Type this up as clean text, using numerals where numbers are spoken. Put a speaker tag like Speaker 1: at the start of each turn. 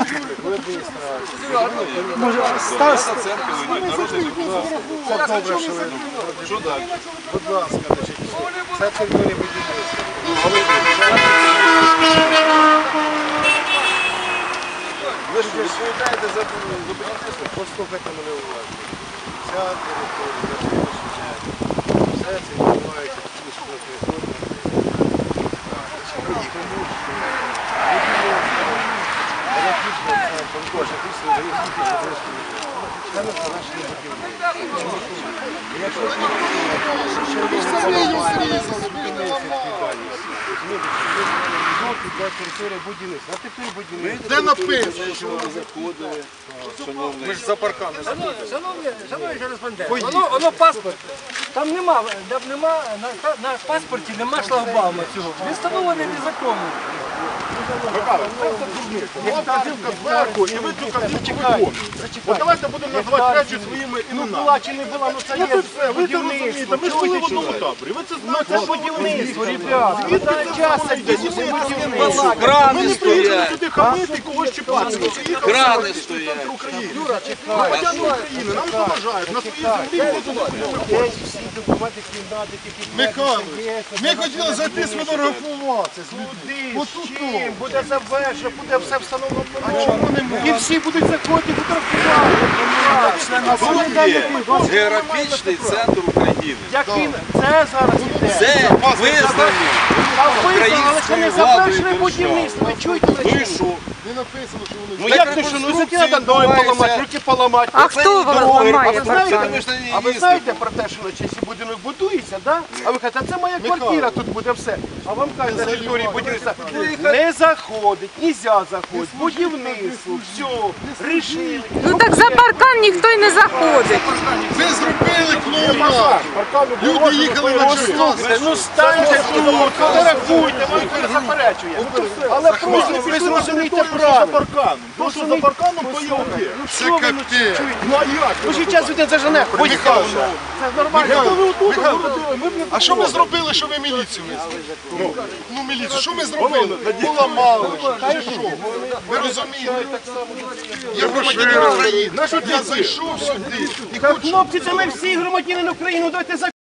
Speaker 1: в адміністрації.
Speaker 2: Може, Стас?
Speaker 1: Це добре, що ви. Що далі? Будь ласка, це територія будівництва. Ви ж відповідаєте за будівництво, послухайте мене уважно. Ця територія, все це відбувається в території.
Speaker 3: Де написано?
Speaker 1: Ми ж за парками.
Speaker 2: Шановний кореспондент, воно паспорт. Там нема, на паспорті нема шлагбаума цього. Він встановлений незаконно.
Speaker 3: І ви цю картинку виконуєте. От давайте будемо називати речі своїми іменами.
Speaker 2: Була чи не була, ну це є
Speaker 3: Ви це розумієте, ми ж були в одному таборі. Ви це знаєте.
Speaker 2: це будівництво, ребята. Часом будівництво.
Speaker 1: Крани
Speaker 3: Ми не приїхали
Speaker 1: стоять,
Speaker 3: сюди хамити і когось чіпати. Ми приїхали
Speaker 1: крани стоять.
Speaker 3: громадяни України, нам заважають, на своїй землі будуть.
Speaker 2: Всі документи кімнати, які
Speaker 3: Михайлович, ми хотіли зайти сфотографуватися з людьми.
Speaker 2: з чим буде завершено, буде все встановлено. І всі будуть заходити фотографувати.
Speaker 1: Географічний центр України.
Speaker 2: Як він, це зараз іде.
Speaker 1: Це визнаний
Speaker 2: А визнали, але це не
Speaker 1: українською
Speaker 2: завершене
Speaker 1: владою
Speaker 2: будівництво. Ви чуєте?
Speaker 1: Ну і що?
Speaker 3: Не написано, що вони...
Speaker 2: Ну як ти що, ну за треба ноги поламати, руки поламати.
Speaker 4: А хто ламає паркан?
Speaker 2: А ви знаєте про те, що якщо будинок будується, да? А ви кажете, це моя квартира, тут буде все. А вам кажуть, на території будівництва не заходить, нельзя заходити, будівництво, все, рішили.
Speaker 4: Ну так за паркан ніхто й не заходить.
Speaker 3: Ви зробили клоунаду. Люди їхали на
Speaker 2: Слухайте, ну станьте тут, фотографуйте, вам ніхто не заперечує. Але просто ви зрозумійте правильно.
Speaker 3: То, що за парканом, то є окей.
Speaker 2: Це капець.
Speaker 3: Ну а як?
Speaker 2: Ну ще час він зажене.
Speaker 3: Михайло,
Speaker 2: Це нормально.
Speaker 3: А що ми зробили, що ви міліцію визвали? Ну, міліцію, що ми зробили? Поламали, чи що? Ви розумієте? Я громадянин України. Я зайшов сюди.
Speaker 2: Хлопці, це ми всі громадянин України, давайте